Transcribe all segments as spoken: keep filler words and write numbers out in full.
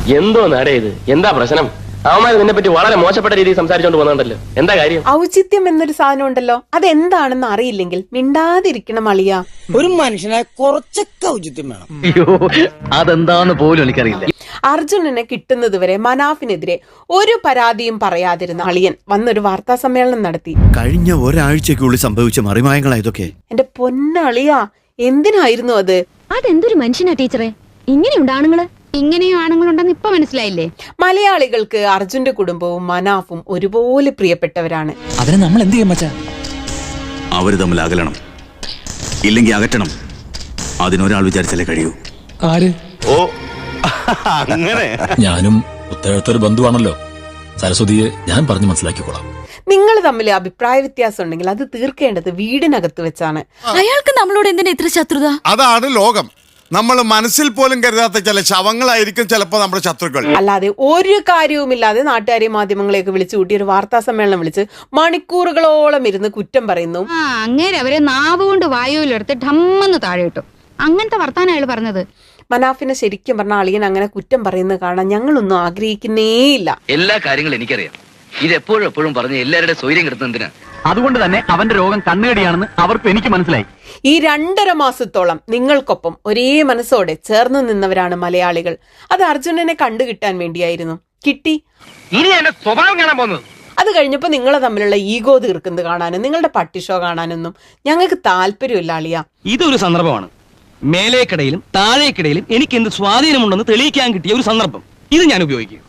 എന്തോ നാടേ ഇത്? എന്താ പ്രശ്നം? അവന്മാർ നിന്നെ പറ്റി വളരെ മോശപ്പെട്ട രീതിയിൽ സംസാരിച്ചോണ്ട് പോകുന്നുണ്ടല്ലോ. എന്താ കാര്യം? ഔചിത്യം എന്നൊരു സാധനം ഉണ്ടല്ലോ, അതെന്താണെന്ന് അറിയില്ലെങ്കിൽ മിണ്ടാതിരിക്കണം അളിയ. ഒരു മനുഷ്യനെ കുറച്ചൊക്കെ ഔചിത്യം വേണം. അയ്യോ, അതെന്താന്ന് പോലും എനിക്കറിയില്ല. അർജുനനെ കിട്ടുന്നത് വരെ മനാഫിനെതിരെ ഒരു പരാതിയും പറയാതിരുന്ന അളിയൻ വന്നൊരു വാർത്താ സമ്മേളനം നടത്തി. കഴിഞ്ഞ ഒരാഴ്ചക്കുള്ളിൽ സംഭവിച്ച മറിമായങ്ങളാ ഇതൊക്കെ. എന്റെ പൊന്നളിയ, എന്തിനായിരുന്നു അത്? അതെന്തൊരു മനുഷ്യനാ ടീച്ചറെ, ഇങ്ങനെയുണ്ട് ആണുങ്ങള്? ഇങ്ങനെയും ആണുങ്ങളുണ്ടെന്ന് ഇപ്പൊ മനസ്സിലായില്ലേ? മലയാളികൾക്ക് അർജുന്റെ കുടുംബവും മനാഫും ഒരുപോലെ പ്രിയപ്പെട്ടവരാണ്. അതിന് നമ്മൾ എന്ത് ചെയ്യും മച്ചാ? അവര് തമ്മിൽ അകലണം, ഇല്ലെങ്കിൽ അകറ്റണം. അതിനൊരാൾ വിചാരിച്ചാലേ കഴിയൂ. ആര്? ഓ അങ്ങനെ. ഞാനും ഉത്തരത്തൊരു ബന്ധുവാണല്ലോ. സരസ്വതിയെ ഞാൻ പറഞ്ഞു മനസ്സിലാക്കിക്കോളാം. നിങ്ങൾ തമ്മിൽ അഭിപ്രായ വ്യത്യാസം ഉണ്ടെങ്കിൽ അത് തീർക്കേണ്ടത് വീടിനകത്ത് വെച്ചാണ്. അയാൾക്ക് നമ്മളോട് എന്തിനാ ഇത്ര ശത്രുത? അതാണ് ലോകം. നമ്മൾ മനസ്സിൽ പോലും കരുതാത്ത ചില ശവങ്ങളായിരിക്കും ചിലപ്പോ നമ്മുടെ ശത്രുക്കൾ. അല്ലാതെ ഒരു കാര്യവുമില്ലാതെ നാട്ടുകാരെയും മാധ്യമങ്ങളെയൊക്കെ വിളിച്ചു കൂട്ടി ഒരു വാർത്താ സമ്മേളനം വിളിച്ച് മണിക്കൂറുകളോളം ഇരുന്ന് കുറ്റം പറയുന്നു. ആ അങ്ങേര് അവരെ നാവ് കൊണ്ട് വായുവിലെടുത്ത് ഠമ്മെന്ന് താഴെ ഇട്ടു. അങ്ങനത്തെ വർത്താനം അയാൾ പറഞ്ഞത്. മനാഫിനെ ശരിക്കും പറഞ്ഞ അളിയൻ അങ്ങനെ കുറ്റം പറയുന്നത് കാണാൻ ഞങ്ങളൊന്നും ആഗ്രഹിക്കുന്നേയില്ല. എല്ലാ കാര്യങ്ങളും എനിക്കറിയാം. ഇത് എപ്പോഴും എപ്പോഴും പറഞ്ഞ് എല്ലാവരുടെ സ്വൈര്യം കിട്ടുന്നതിനാ. അതുകൊണ്ട് തന്നെ അവന്റെ രോഗം കണ്ണുകടിയാണെന്ന് അവർക്ക് എനിക്ക് മനസ്സിലായി. ഈ രണ്ടര മാസത്തോളം നിങ്ങൾക്കൊപ്പം ഒരേ മനസ്സോടെ ചേർന്ന് നിന്നവരാണ് മലയാളികൾ. അത് അർജുനനെ കണ്ടുകിട്ടാൻ വേണ്ടിയായിരുന്നു. കിട്ടി. ഇനി എന്റെ സ്വഭാവം കാണാൻ പോകുന്നത്. അത് കഴിഞ്ഞപ്പോ നിങ്ങളെ തമ്മിലുള്ള ഈഗോ തീർക്കുന്നത് കാണാനും നിങ്ങളുടെ പട്ടി ഷോ കാണാനൊന്നും ഞങ്ങൾക്ക് താല്പര്യമില്ല അളിയ. ഇതൊരു സന്ദർഭമാണ്. മേലേക്കിടയിലും താഴേക്കിടയിലും എനിക്ക് എന്ത് സ്വാധീനമുണ്ടെന്ന് തെളിയിക്കാൻ കിട്ടിയ ഒരു സന്ദർഭം. ഇത് ഞാൻ ഉപയോഗിക്കും.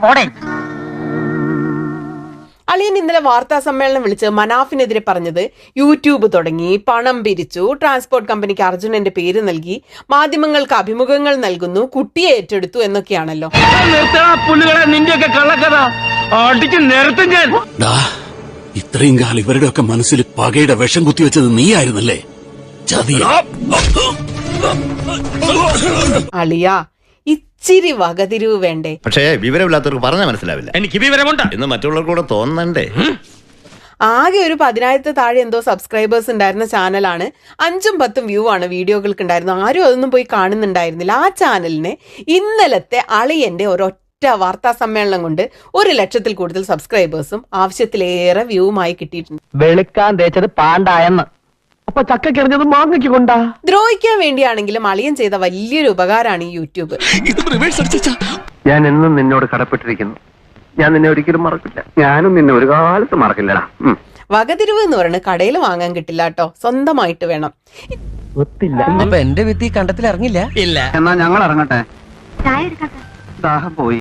അളിയൻ ഇന്നലെ വാർത്താ സമ്മേളനം വിളിച്ച് മനാഫിനെതിരെ പറഞ്ഞത് യൂട്യൂബ് തുടങ്ങി, പണം പിരിച്ചു, ട്രാൻസ്പോർട്ട് കമ്പനിക്ക് അർജുനന്റെ പേര് നൽകി, മാധ്യമങ്ങൾക്ക് അഭിമുഖങ്ങൾ നൽകുന്നു, കുട്ടിയെ ഏറ്റെടുത്തു എന്നൊക്കെയാണല്ലോ. നിന്റെയൊക്കെ കള്ളക്കഥ അടിച്ച് നിരത്തും ഞാൻ. ഇത്രയും കാലം ഇവരുടെ ഒക്കെ മനസ്സിൽ പകയുടെ വിഷം കുത്തിവെച്ചത് നീയായിരുന്നല്ലേ? അളിയ, ഇച്ചിരി വകതിരിവ് വേണ്ടേ? പക്ഷേ വിവരമില്ലാത്തവർക്ക് പറഞ്ഞാൽ മനസ്സിലാവില്ല. എനിക്ക് വിവരമുണ്ട് എന്ന് മറ്റുള്ളവർക്ക് കൂടെ തോന്നണ്ടേ? ആകെ ഒരു പതിനായിരത്തി താഴെ എന്തോ സബ്സ്ക്രൈബേഴ്സ് ഉണ്ടായിരുന്ന ചാനലാണ്. അഞ്ചും പത്തും വ്യൂ ആണ് വീഡിയോകൾക്ക് ഉണ്ടായിരുന്നു. ആരും അതൊന്നും പോയി കാണുന്നുണ്ടായിരുന്നില്ല. ആ ചാനലിന് ഇന്നലത്തെ അളിയന്റെ ഒരൊറ്റ വാർത്താ സമ്മേളനം കൊണ്ട് ഒരു ലക്ഷത്തിൽ കൂടുതൽ സബ്സ്ക്രൈബേഴ്സും ആവശ്യത്തിലേറെ വ്യൂവുമായി കിട്ടിയിട്ടുണ്ട്. വെളുക്കാൻ തേച്ചത് പാണ്ടായെന്ന്. അപ്പൊ ചക്കക്കെറിഞ്ഞത് മാങ്ങയ്ക്ക് കൊണ്ടാ. ദ്രോഹിക്കാൻ വേണ്ടിയാണെങ്കിലും അളിയൻ ചെയ്ത വലിയൊരു ഉപകാരമാണ് ഈ യൂട്യൂബ്. ഞാൻ എന്നും നിന്നോട് കടപ്പെട്ടിരിക്കുന്നു. ഞാൻ നിന്നെ ഒരിക്കലും മറക്കില്ല. ഞാനും നിന്നെ ഒരു കാലത്ത് മറക്കില്ലടാ. വകതിരിവ് എന്ന് പറയുന്നത് കടയിൽ വാങ്ങാൻ കിട്ടില്ല കേട്ടോ, സ്വന്തമായിട്ട് വേണം. അപ്പൊ എന്റെ വിത്തി കണ്ടത്തിൽ ഇറങ്ങില്ല. ഇല്ല. എന്നാ ഞങ്ങൾ ഇറങ്ങട്ടെ. ദാഹം പോയി.